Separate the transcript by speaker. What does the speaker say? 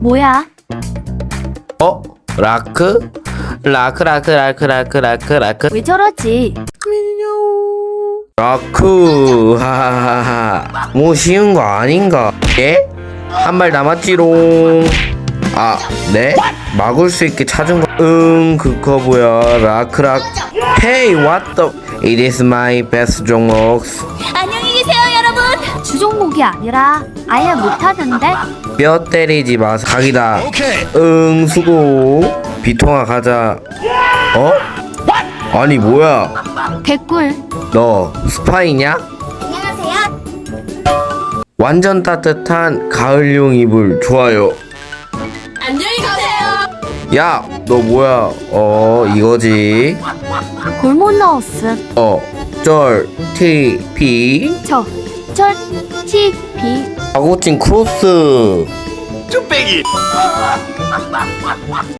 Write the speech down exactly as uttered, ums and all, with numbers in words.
Speaker 1: 뭐야?
Speaker 2: 어? 라크? 라크 라크 라크 라크 라크 라크
Speaker 1: 왜 저러지?
Speaker 2: 라크 하하하하 뭐 쉬운 거 아닌가? 예? 한 발 남았지롱. 아, 네? 막을 수 있게 찾은 거. 응, 그거 뭐야? 라크락. Hey, what the? It is my best 종목.
Speaker 1: 안녕히 계세요, 여러분. 주종목이 아니라 아예 못하는데?
Speaker 2: 뼈 때리지 마서 각이다. 응, 수고. 비통아 가자. 어? 아니 뭐야?
Speaker 1: 개꿀.
Speaker 2: 너 스파이냐?
Speaker 1: 안녕하세요.
Speaker 2: 완전 따뜻한 가을용 이불 좋아요.
Speaker 1: 안녕히 가세요.
Speaker 2: 야, 너 뭐야? 어, 이거지.
Speaker 1: 골못 넣었음.
Speaker 2: 어, 쩔, 티, 피.
Speaker 1: 저, 절, 티, 비.
Speaker 2: 아고친 크로스.
Speaker 3: 쭈빼기